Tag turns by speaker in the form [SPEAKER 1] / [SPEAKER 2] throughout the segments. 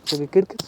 [SPEAKER 1] सगळी किरकिर.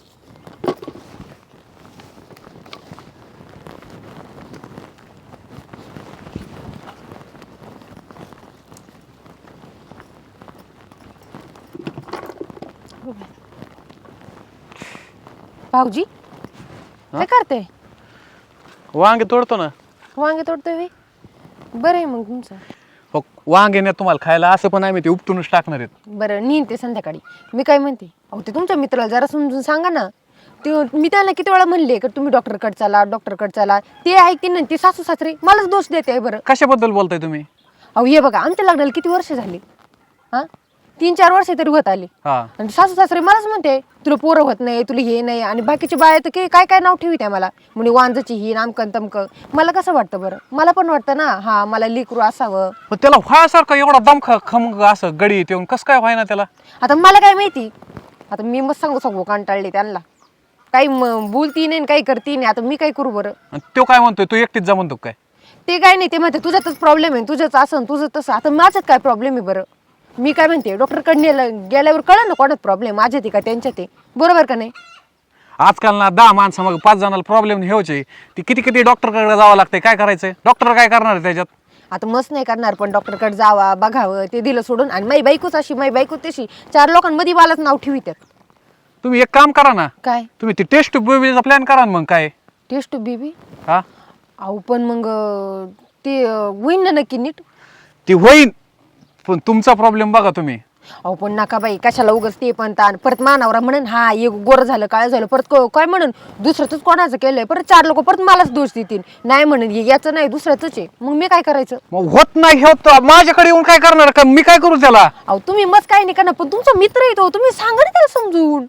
[SPEAKER 2] भाऊजी काय करते?
[SPEAKER 1] वांगे तोडतो ना.
[SPEAKER 2] वांगे तोडतोय बे? बरं आहे मग तुमचं.
[SPEAKER 1] हो, वांगे नाही तुम्हाला खायला, असं पण आम्ही ते उपटूनच टाकणार आहेत.
[SPEAKER 2] बरं नेईन ते संध्याकाळी. मी काय म्हणते, अहो ते तुमच्या मित्राला जरा समजून सांगा ना. ते मी त्याला किती वेळा म्हणले की तुम्ही डॉक्टरकडे चला, डॉक्टरकडे चला. ते ऐकते ना, ते सासू सासरे मलाच दोष देते. बरं
[SPEAKER 1] कशाबद्दल बोलताय तुम्ही?
[SPEAKER 2] अहो हे बघा, आमच्या लग्नाला किती वर्ष झाली? हा 3-4 वर्ष तरी होत आली.
[SPEAKER 1] हा,
[SPEAKER 2] आणि सासू सासरे मलाच म्हणते तुला पोरं होत नाही, तुला हे नाही. आणि बाकीचे बाया तर काय काय नाव ठेवी त्या मला, म्हणजे वांजची ही नामकन तमकं. मला कसं वाटतं बरं, मला पण वाटतं ना हा मला लेकरू असावं.
[SPEAKER 1] पण त्याला व्हायसारखं एवढा दमखा खमग असं गडी येऊन कसं काय व्हायना त्याला?
[SPEAKER 2] आता मला काय माहिती, आता मी मग सांगू कंटाळले त्यांना. काही बोलती नाही काही करती नाही. आता मी काय करू बरं?
[SPEAKER 1] आणि तो काय म्हणतोय, तू एकटीच जा म्हणतो काय?
[SPEAKER 2] ते काय नाही, ते म्हणते तुझ्यातच प्रॉब्लेम आहे, तुझंच असं तुझं तसं. आता माझ्यात काय प्रॉब्लेम आहे बरं? मी काय म्हणते, डॉक्टरकडे गेल्यावर कळलं ना कोणात प्रॉब्लेम, माझ्यात आहे का त्यांच्यात आहे. बरोबर का नाही?
[SPEAKER 1] आजकाल ना 10 माणसं मग 5 जणांना प्रॉब्लेम हेवचे. ती किती डॉक्टरकडे जावं लागतंय. काय करायचंय? डॉक्टर काय करणार आहे त्याच्यात?
[SPEAKER 2] आता मस्त नाही करणार, पण डॉक्टरकडे जावा, बघावं. ते दिलं सोडून आणि माई बायकोच अशी, माई बायको तशी, 4 लोकांमध्ये मलाच नाव ठेवित्यात.
[SPEAKER 1] तुम्ही एक काम करा ना,
[SPEAKER 2] काय
[SPEAKER 1] तुम्ही ती टेस्ट बेबीचा प्लॅन करा ना. मग काय
[SPEAKER 2] टेस्ट बेबी?
[SPEAKER 1] हा,
[SPEAKER 2] अहो पण मग ते होईन ना नक्की नीट?
[SPEAKER 1] ती होईन, पण तुमचा प्रॉब्लेम बघा तुम्ही.
[SPEAKER 2] अहो पण नका बाई, कशाला उगाच ते पण ताण. परत मानावरा म्हणून हा एक गोर झालं काळ झालं, परत काय म्हणून दुसऱ्याच कोणाचं केलंय, परत 4 लोक परत मलाच दोष देतील. नाही म्हणून याचं नाही दुसऱ्याच आहे. मग मी काय करायचं?
[SPEAKER 1] मग होत नाही होत माझ्याकडे येऊन काय करणार का? मी काय करू त्याला?
[SPEAKER 2] अहो तुम्ही मस्त काही नाही करणार, पण तुमचा मित्र येतो, तुम्ही सांगा ना त्याला समजून.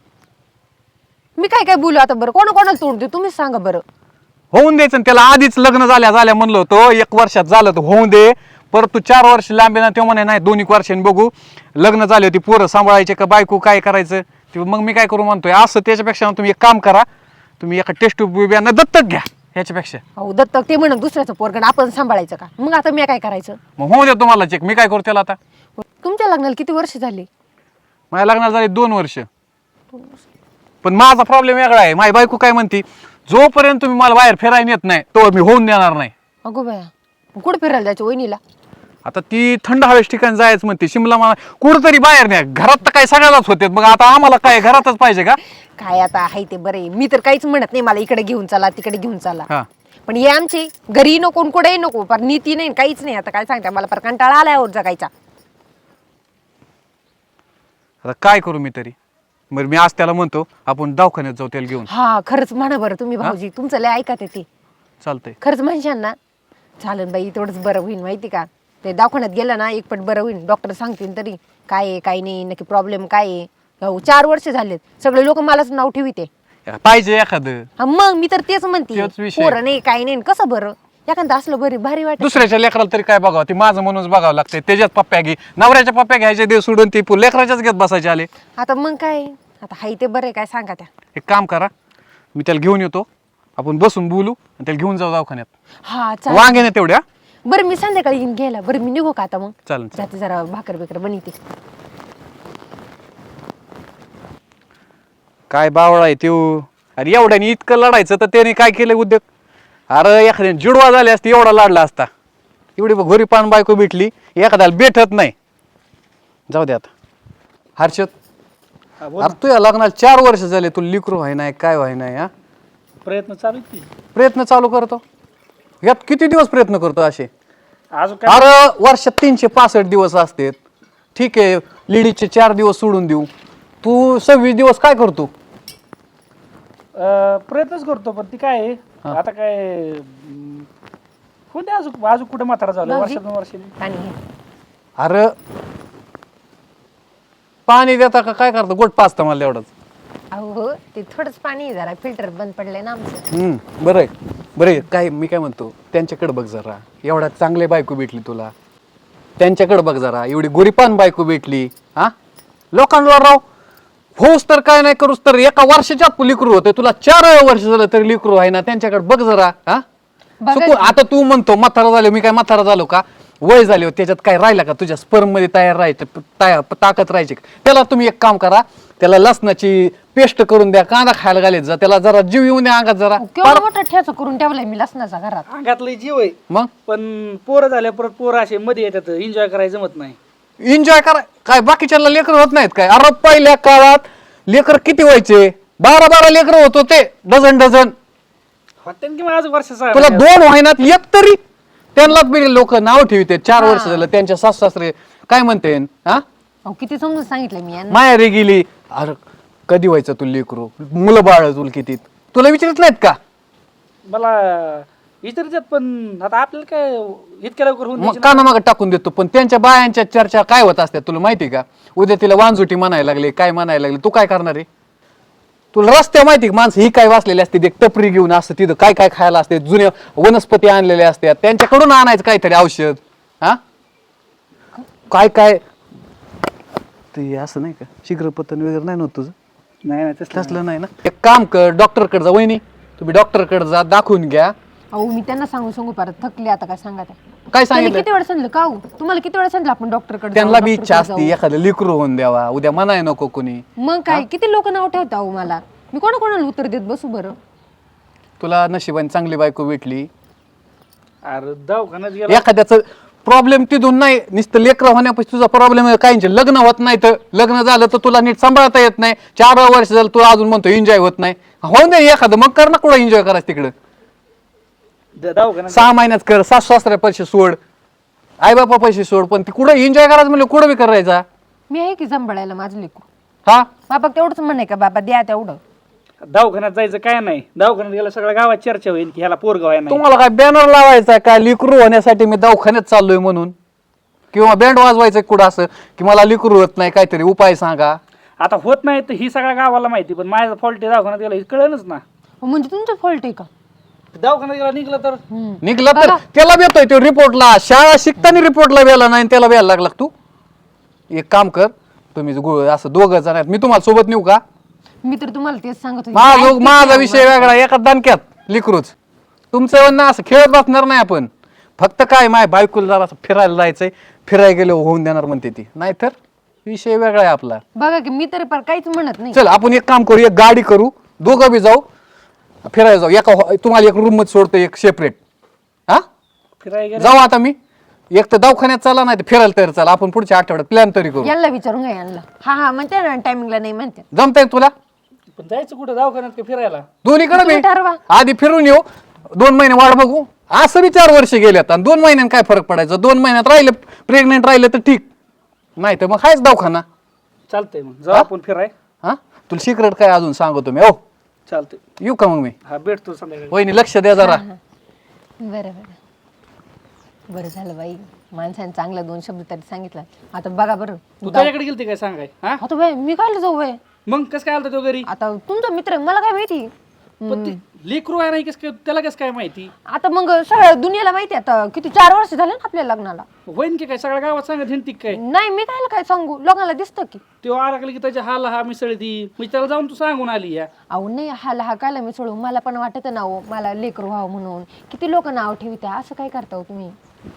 [SPEAKER 2] मी काय बोलू आता बरं? कोणाला तोंड देऊ तुम्हीच सांगा बरं.
[SPEAKER 1] होऊन द्यायचं ना त्याला. आधीच लग्न झाल्या म्हणलं होतं 1 वर्षात झालं तर होऊन दे. परत तू 4 वर्ष लांबे ना, ते म्हणे नाही 2-1 वर्षांनी बघू. लग्न झाले होती, पोरं सांभाळायचे का बायको काय करायचं ते. मग मी काय करू म्हणतोय असं. त्याच्यापेक्षा तुम्ही एक काम करा, तुम्ही एका टेस्ट बिब्यांना दत्तक घ्या ह्याच्यापेक्षा.
[SPEAKER 2] अहो दत्तक ते म्हणून दुसऱ्याचं पोरगण आपण सांभाळायचं का? मग आता मी काय करायचं?
[SPEAKER 1] मग होऊ द्या तुम्हाला चेक. मी काय करू त्याला आता?
[SPEAKER 2] तुमच्या लग्नाला किती वर्ष झाली?
[SPEAKER 1] माझ्या लग्नाला झाले 2 वर्ष. पण माझा प्रॉब्लेम वेगळा आहे. माझी बायको काय म्हणते, जोपर्यंत तुम्ही मला बाहेर फिरायला येत नाही तोवर मी होऊन देणार नाही.
[SPEAKER 2] अगो बाया, कुठं फिरायला जायचं वहिनीला?
[SPEAKER 1] आता ती थंड हवेच्या ठिकाणी जायचं म्हणते, शिमला मला कुठंतरी बाहेर नाही. घरात तर काय सगळ्यालाच होते, मग आता आम्हाला काय घरातच पाहिजे का?
[SPEAKER 2] काय आता आहे ते बरे. मी तर काहीच म्हणत नाही मला इकडे घेऊन चला तिकडे घेऊन चला.
[SPEAKER 1] हा,
[SPEAKER 2] पण हे आमचे घरी नको कुठेही नको, पर नीती नाही काहीच नाही. आता काय सांगता, मला पर कंटाळा आलाय और जगायचा.
[SPEAKER 1] आता काय करू मी तरी? बरं मी आज त्याला म्हणतो आपण दवाखान्यात जाऊ त्याला घेऊन.
[SPEAKER 2] हा खरंच म्हणा बरं तुम्ही भाऊजी, तुमचं लय ऐकत ते.
[SPEAKER 1] चालतंय.
[SPEAKER 2] खरंच म्हणशान ना, चालेल बाई, तेवढंच बरं होईल. माहिती का, ते दवाखान्यात गेलं ना एक पट बरं होईल. डॉक्टर सांगतील तरी काय आहे काय नाही, नक्की प्रॉब्लेम काय आहे. हो 4 वर्ष झालेत, सगळे लोक मलाच नाव ठेविते.
[SPEAKER 1] पाहिजे एखादं.
[SPEAKER 2] हा मग मी तर तेच म्हणते,
[SPEAKER 1] तेच विषय.
[SPEAKER 2] पोरं नाही काय नाही, कसं बरं एखादं असलं बरी भारी वाटत.
[SPEAKER 1] दुसऱ्याच्या लेकराला तरी काय बघावं, ते माझं म्हणूनच बघावं लागतंय. त्याच्यात पप्प्या घे, नवऱ्याच्या पप्प्या घ्यायचे दे सोडून, ती लेकराच्याच घेत बसायचे आले.
[SPEAKER 2] आता मग काय, आता हाय ते बरं आहे, काय सांगा त्या.
[SPEAKER 1] एक काम करा, मी त्याला घेऊन येतो, आपण बसून बोलू आणि त्याला घेऊन जाऊ दवाखान्यात.
[SPEAKER 2] हा चालेल.
[SPEAKER 1] वांगे नाही तेवढ्या.
[SPEAKER 2] बरं मी संध्याकाळी येईन घ्यायला. बरं मी निघू का आता? मग
[SPEAKER 1] चालेल.
[SPEAKER 2] जाते जरा भाकर बिकर बनवते.
[SPEAKER 1] काय बावळा आहे त्यो. अरे एवढ्याने इतकं लढायचं तर त्याने काय केलं उद्योग? अरे एखाद्याने जुडवा झाले असते एवढा लाडला असता. एवढी घोरी पान बायको भेटली, एखाद्याला भेटत नाही. जाऊ दे आता. हर्षद, अरे तुझ्या लग्नाला 4 वर्ष झाले, तू लिकरू व्हाय नाही काय व्हाय नाही. हा
[SPEAKER 3] प्रयत्न चालू आहेत की.
[SPEAKER 1] प्रयत्न चालू करतो. यात किती दिवस प्रयत्न करतो असे?
[SPEAKER 3] अजून काय
[SPEAKER 1] अरे वर्षात 365 दिवस असतात. ठीक आहे, लेडीजचे 4 दिवस सोडून देऊ, तू 26 दिवस काय करतो?
[SPEAKER 3] प्रयत्नच करतो, पण ती काय आहे, आता काय होते अजून कुठे म्हातारा झालं
[SPEAKER 2] भाऊजी?
[SPEAKER 3] वर्षात 2 वर्षांनी.
[SPEAKER 2] आणि हे.
[SPEAKER 1] अरे पाणी देता का काय करतो? गोट पाचता मला एवढंच.
[SPEAKER 2] अहो हो, ते थोडंच पाणी आहे, जरा फिल्टर बंद पडलंय ना आमचं.
[SPEAKER 1] बरं आहे बरं आहे. काय मी काय म्हणतो, त्यांच्याकडे बघ जरा. एवढा चांगले बायको भेटली तुला, त्यांच्याकडे बघ जरा. एवढी गोरीपान बायको भेटली. हा लोकांना राव होऊस तर काय नाही करूस तर एका वर्षाच्यात लिकरू होते. तुला 4 वर्ष झालं तरी लिकरू आहे ना. त्यांच्याकडे बघ जरा. हा
[SPEAKER 2] बघा
[SPEAKER 1] आता तू म्हणतो म्हातारा झालो, मी काय म्हातारा झालो का? वय झाले, त्याच्यात काय राहिला का? तुझ्या स्पर्म मध्ये तयार राहायचं ताकद राहायची. त्याला तुम्ही एक काम करा, त्याला लसणाची पेस्ट करून द्या, कांदा खायला घालायचा जा, त्याला जरा जीव येऊन द्या अंगात जरा.
[SPEAKER 2] केवढा मोठा ठेचा करून ठेवलाय मी लसणाचा घरात.
[SPEAKER 3] अंगातलं जीव आहे
[SPEAKER 1] मग
[SPEAKER 3] पण पोरं झाल्या परत पोरं असे मध्ये येतात एन्जॉय करायला जमत नाही.
[SPEAKER 1] एन्जॉय करा काय, बाकीच्याला लेकर होत नाहीत काय? अरे पहिल्या काळात लेकर किती व्हायचे? 12 लेकर होत होते, डझन.
[SPEAKER 3] होते की मग आज वर्ष
[SPEAKER 1] तुला 2 महिन्यात एक तरी त्यांनाच बी लोक नाव ठेवते. 4 वर्ष झालं त्यांच्या सासू सासरे काय म्हणते हा
[SPEAKER 2] अहो किती समजून सांगितलं मी यांना.
[SPEAKER 1] माहेरी गेली. अरे कधी व्हायचं तुला लेकरू? मुलं बाळ तुला किती? तुला विचारत नाहीत का?
[SPEAKER 3] मला विचारतात पण आता आपल्याला काय इतक्या लवकर होऊन
[SPEAKER 1] मग
[SPEAKER 3] द्यायची
[SPEAKER 1] काना मागं टाकून देतो. पण त्यांच्या बायांच्या चर्चा काय होत असतात तुला माहिती का? उद्या तिला वांजुटी म्हणायला लागले, काय म्हणायला लागले, तू काय करणार आहे? तुला रस्त्या माहिती का माणसं ही काय वाचलेली असते, एक टपरी घेऊन असतं तिथं काय काय खायला असते, जुन्या वनस्पती आणलेल्या असतात, त्यांच्याकडून आणायचं काहीतरी औषध. हा काय काय ते असं नाही का? शीघ्रपतन वगैरे नाही नव्हतं तुझं?
[SPEAKER 3] नाही नाही तसलं
[SPEAKER 1] तसलं नाही ना. एक काम कर, डॉक्टरकडे जा. वहिनी तुम्ही डॉक्टरकडे जा, दाखवून घ्या.
[SPEAKER 2] अहो मी त्यांना सांगू परत थकले आता. काय सांगा ते
[SPEAKER 1] काय
[SPEAKER 2] त्यांनी
[SPEAKER 1] सांगितलं?
[SPEAKER 2] किती वेळ सांगितलं का हो? तुम्हाला किती वेळ सांगितलं आपण डॉक्टरकडे
[SPEAKER 1] त्यांना बी इच्छा असते एखादं लेकरू होऊन द्यावा, उद्या म्हणाय नको कोणी.
[SPEAKER 2] मग काय किती लोक नाव ठेवता अहो मला. मी कोणाकोणाला उत्तर देत बसू बरं.
[SPEAKER 1] तुला नशिबाने चांगली बायको भेटली.
[SPEAKER 3] अरे दवाखान्यात गेला
[SPEAKER 1] एखाद्याचं प्रॉब्लेम तिथून नाही, नुसतं लेकरं होण्यापासून तुझा प्रॉब्लेम आहे. काहींचे लग्न होत नाही, तर लग्न झालं तर तुला नीट सांभाळता येत नाही. 4 वर्ष झालं तुला अजून म्हणतो एन्जॉय होत नाही. होऊन दे एखादं, मग कर ना कुठं एन्जॉय करायचं तिकडं.
[SPEAKER 3] दवाखान्यात
[SPEAKER 1] 6 महिन्यात कर, सासू सासऱ्या पैसे सोड, आई बापा पैसे सोड, पण ती कुठं एन्जॉय करायचं म्हणलं कुठं बी करायचा.
[SPEAKER 2] मी आहे की सांभाळायला माझं लेकरू.
[SPEAKER 1] हा
[SPEAKER 2] बाबा तेवढंच म्हणे का बाबा द्या तेवढं.
[SPEAKER 3] दवाखान्यात जायचं काय नाही. दवाखान्यात गेला सगळ्या गावात चर्चा होईल की ह्याला पोरगाव आहे नाही.
[SPEAKER 1] तुम्हाला काय बॅनर लावायचा काय लिकरू होण्यासाठी मी दवाखान्यात चाललोय म्हणून? किंवा बँड वाजवायचं कुठं असं की मला लिकरू होत नाही, काहीतरी उपाय सांगा.
[SPEAKER 3] आता होत नाही तर ही सगळ्या गावाला माहिती, पण माझा फॉल्ट आहे दवाखान्यात गेला हे कळलंच ना.
[SPEAKER 2] म्हणजे तुमचं फॉल्ट आहे का?
[SPEAKER 3] दवाखान्यात गेला निघलं तर
[SPEAKER 1] निघलं तर त्याला भेटतोय तो रिपोर्टला. शाळा शिकताना रिपोर्टला वेळा नाही, त्याला वेळा लागला. तू एक काम कर, तुम्ही असं 2 जण आहेत, मी तुम्हाला सोबत नेऊ का?
[SPEAKER 2] मी तर तुम्हाला तेच सांगत होते.
[SPEAKER 1] माझा विषय वेगळा, एका दणक्यात लिकरूच. तुमचं म्हणणं असं खेळत बसणार नाही आपण. फक्त काय माय बायकोला जरा असं फिरायला जायचंय, फिरायला गेलो होऊन देणार म्हणते ती, नाहीतर विषय वेगळा आहे आपला.
[SPEAKER 2] बघा की मी तर काहीच म्हणत नाही.
[SPEAKER 1] चल आपण एक काम करू, एक गाडी करू, दोघं बी जाऊ फिरायला जाऊ. एका तुम्हाला एक रूम मध्ये सोडतो, एक सेपरेट. हा
[SPEAKER 3] फिरायला गेला
[SPEAKER 1] जाऊ आता मी. एक तर दवाखान्यात चला, नाही तर फिरायला तरी चला. आपण पुढच्या आठवड्यात प्लॅन तरी करू.
[SPEAKER 2] यांना विचारून घ्या यांना. हा म्हणते ना टायमिंगला नाही म्हणते.
[SPEAKER 1] जमतंय तुला?
[SPEAKER 3] पण जायचं कुठं दवाखान्यात का फिरायला?
[SPEAKER 1] दोन्हीकडे
[SPEAKER 2] तुम्ही
[SPEAKER 1] बी
[SPEAKER 2] ठरवा.
[SPEAKER 1] आधी फिरून येऊ, 2 महिने वाट बघू. असं बी 4 वर्ष गेल्यात आणि 2 महिन्यात काय फरक पडायचा? 2 महिन्यात राहिलं प्रेग्नेंट राहिलं तर ठीक, नाही तर मग हायच दवाखाना.
[SPEAKER 3] चालतंय मग जाऊ आपण फिराय.
[SPEAKER 1] हा तुला सिक्रेट काय अजून सांगतो मी. ओ
[SPEAKER 3] चालतंय.
[SPEAKER 1] येऊ का मग मी?
[SPEAKER 3] हा भेटतो संध्याकाळी.
[SPEAKER 1] वहिनी लक्ष द्या जरा.
[SPEAKER 2] बरं बरं झालं बाई, माणसाने चांगला 2 शब्द तरी सांगितला. आता बघा बरं.
[SPEAKER 3] तू त्याच्याकडे गेलती काय सांगाय? हा
[SPEAKER 2] आता बाई मी काय जाऊ बाई?
[SPEAKER 3] मग कसं काय आलता तो घरी?
[SPEAKER 2] आता तुमचा मित्र आहे, मला काय माहिती.
[SPEAKER 3] पण ते लेकरू आहे नाही, कसं काय त्याला कसं काय माहिती?
[SPEAKER 2] आता मग सगळ्या दुनियाला माहिती आहे. आता किती 4 वर्ष झाले ना आपल्या लग्नाला.
[SPEAKER 3] वैन की काय सगळ्या गावात सांगत हिंडती काय?
[SPEAKER 2] नाही मी काय सांगू, लोकांना दिसतं की.
[SPEAKER 3] तो आला की त्याच्या हाला हा मिसळती, म्हणजे त्याला जाऊन तू सांगून आली या.
[SPEAKER 2] अहो नाही हा कायला मी सोडू. मला पण वाटत ना हो, मला लेकरू व्हावं म्हणून. किती लोक नाव ठेवत्या, असं काय करता हो तुम्ही?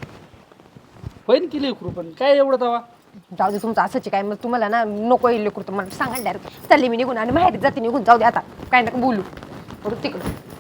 [SPEAKER 3] वैन की लेकरू पण काय एवढं तवा?
[SPEAKER 2] जाऊ दे तुमचं असंच आहे काय. मग तुम्हाला ना नको येईल लेकरू, तर मला सांगा डायरेक्ट. चालली मी निघून आणि माहेरी जाते निघून. जाऊ दे आता काय नका बोलू. तिकडं